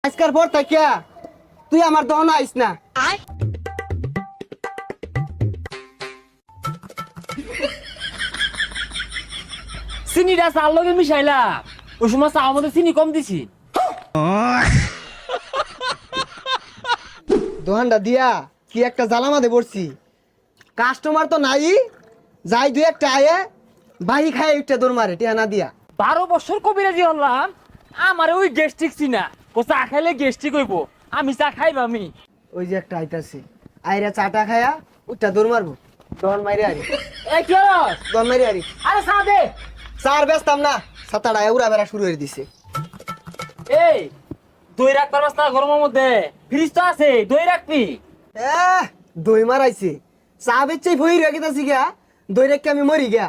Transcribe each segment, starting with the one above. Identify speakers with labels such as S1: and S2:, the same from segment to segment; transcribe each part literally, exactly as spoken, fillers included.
S1: আজকার পর থাকিয়া তুই আমার দহন আইস না।
S2: চিনিটা চার লগে মিশাইলা ওই সময় চা মধ্যে চিনি কম দিছি।
S1: দোহানটা দিয়া কি একটা জ্বালামাতে পড়ছি, কাস্টমার তো নাই, যাই দুই একটা আয়ে বাহি খায় একটা দৌড় মারে টিয়া না দিয়া।
S2: বারো বছর কবিরাজি হলাম, আমার ওই গ্যাস্ট্রিক চিনা, ও চা খাইলে গ্যাস্ট্রিক হইব, আমি চা খাইব আমি।
S1: ওই যে একটা আইতাছে আইরা চাটা খায়া ওইটা দৌড় মারবো, দহন মারি আরি
S2: এই কি হলো?
S1: দহন মারি আরি
S2: আরে চা দে।
S1: চার ব্যস্তাম না, সাতাটা উড়া বেড়া শুরু হয়ে দিছে।
S2: এই দই রাখ পারবাস না গরমের মধ্যে? ফ্রিজ তো আছে, দই রাখবি।
S1: এহ দই মারাইছে, চা বেচে ভই রেখে গেছি গা, দই রেখে আমি মরি গা।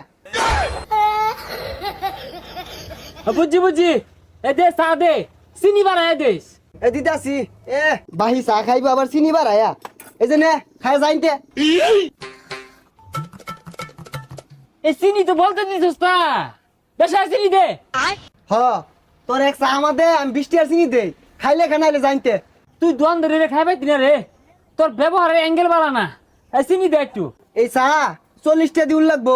S2: বুঝছি বুঝছি, এ দে চা দে, চিনি বাড়ায় দিস।
S1: এ দিদাসি এ বাহি চা খাইবো আবার চিনি বাড়ায়া, এই যে নে খাই যাইতে।
S2: এই চিনি তো বলতে দিছিস না, বেশি চিনি দে।
S1: হ তোর এক চা আমার দে, আমি বৃষ্টি আর চিনি দেই, খাইলে খানাইলে জানতে।
S2: তুই দোয়ান ধরে রে খাইবাই দিনা রে, তোর ব্যবহারের অ্যাঙ্গেল বাড়া না। এই চিনি দে একটু।
S1: এই চা চল্লিশটা দিউল লাগবো।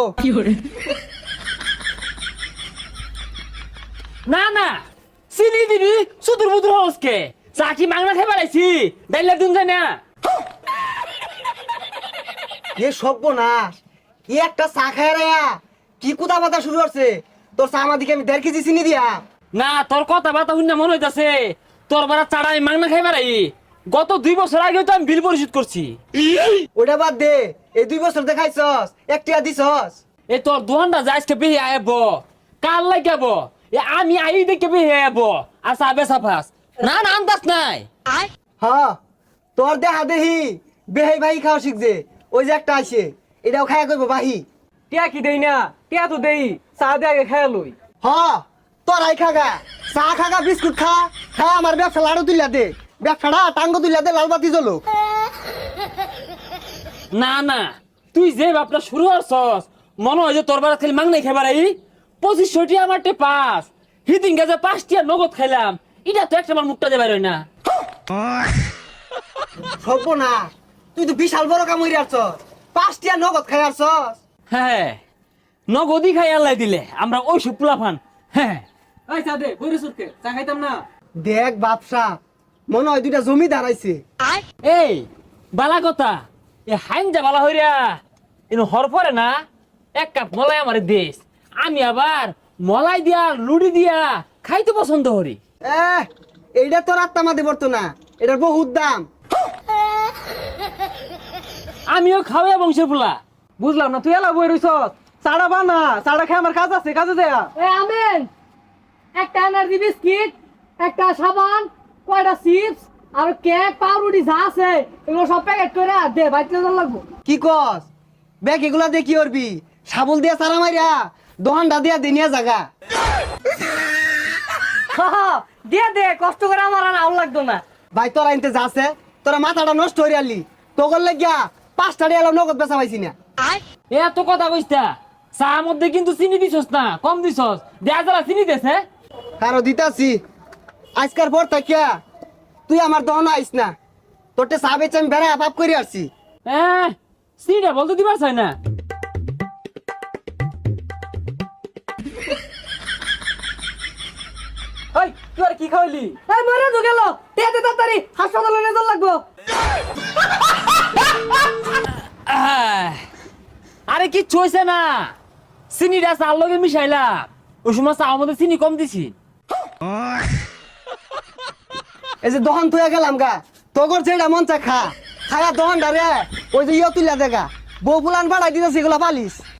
S2: না না চিনি দিবি, সুদূর বুদুর হসকে চা কি মাংনা খাই বাড়াইছি, ডাইলা দুন যায় না।
S1: এ সর্বনাশ, কি একটা চা খায় রে, কি কুদা বাতা শুরু করছে। তোর চা আমার দিকে আমি দেড় কেজি চিনি দিয়া।
S2: না তোর কথা বাতা শুনে মনে হইতাছে তোর বারা চাড়াই মাংনা খাই বাড়াই। গত দুই বছর আগে তো আমি বিল পরিশোধ করছি।
S1: ওটা বাদ দে, এই দুই বছর দেখাইছস একটিয়া দিছস।
S2: এ তোর দোকানটা যাইজকে বেহে আইব, কাল লাগাব, এ আমি আই দেখে বেহে আইব, আর চা বেচা ফাস। না না আন্দাজ নাই।
S1: হ তোর দেহা দেহি বেহাই ভাই খাওয়া শিখছে, ওই যে একটা আছে এটাও খায়া করবো বাহি।
S2: টিয়া কি দেই না, টিয়া তো দেই, চা দে আগে খাই লই।
S1: হ তোরাই খাগা, চা খাগা, বিস্কুট খা, খা আমার ব্যবসা লাড়ু তুলিয়া দে, ব্যবসাটা টাঙ্গ তুলিয়া দে, লাল বাতি জ্বলো।
S2: না না তুই যে বাপটা শুরু করছস, মনে হয় যে তোর বারা খালি মাংনাই খাইবার আই। পঁচিশশোটি আমার টে পাস, হিদিন গাছে পাঁচটিয়া নগদ খাইলাম, এটা তো একটা আমার মুখটা দেবার হয় না।
S1: সর্বনাশ, তুই তো বিশাল বড় কাম হইরে আসছস, পাঁচটিয়া নগদ খাই আসছস।
S2: হ্যাঁ নগদই খাই আল্লাহ দিলে, আমরা ওই সব পোলাফান। হ্যাঁ ওই চা দে, বইরে সুরকে চা খাইতাম না।
S1: দেখ বাপসা, মনে হয় দুইটা জমি দাঁড়াইছে।
S2: এই বালা কথা, এ হাইন যা বালা হইরা ইনো হর পরে না, এক কাপ মলাই আমার দেশ, আমি আবার মলাই দিয়া লুড়ি দিয়া খাইতে পছন্দ করি।
S1: এহ এইটা তোর আত্মা মাদে পড়তো না, এটার বহুত দাম।
S2: আমিও খাওয়া বংশের পোলা।
S3: বুঝলাম না, তুই এলা বই রইছ, চাড়া বানা, চাড়া খেয়ে আমার কাজ আছে, কাজে দেয়া।
S4: এ আমেন, একটা এনার্জি বিস্কিট, একটা সাবান, কয়টা চিপস আর কেক পাউরুটি যা আছে এগুলো সব প্যাকেট করে দে, বাইতে লাগবো।
S1: কি কস ব্যাগ এগুলা দিয়ে কি করবি? সাবল দিয়া চারা মারিয়া দোহানটা দিয়া দিনিয়া জাগা।
S4: দিয়ে দে, কষ্ট করে আমার আর আউল লাগতো না।
S1: ভাই তোরা আনতে যাচ্ছে, তোরা মাথাটা নষ্ট হয়ে আলি, তোর লাগিয়া পাঁচটা দিয়ে এলাম নগদ বেচা পাইছি না।
S2: এ এত কথা কইস্তা, চা মধ্যে কিন্তু চিনি দিছস না, কম দিছস, দেয়া যারা চিনি দেছে।
S1: কারো দিতাছি, আজকার পর থাকিয়া তুই আমার দহন আইস না, তোরটে চা বেচে আমি বেড়া পাপ করে আসছি।
S2: হ্যাঁ চিনিটা বলতে দিবার চাই না।
S3: ওই তুই আর কি খাওয়াইলি?
S4: এই মরে তো গেল, দে দে তাড়াতাড়ি, হাসপাতালে নিয়ে যাওয়া লাগবো।
S2: আহ, আরে কি চইছে না, চিনিটা চার লগে মিশাইলা ওই সময় চা মধ্যে চিনি কম দিছি।
S1: এই যে দহন তুই গেলাম গা, তোর যেটা মন চা খা, খায়া দহন রে ওই যে ইয়ে তুলিয়া দেখা, বউ ফুলান বাড়াই দিতেছি এগুলা পালিস।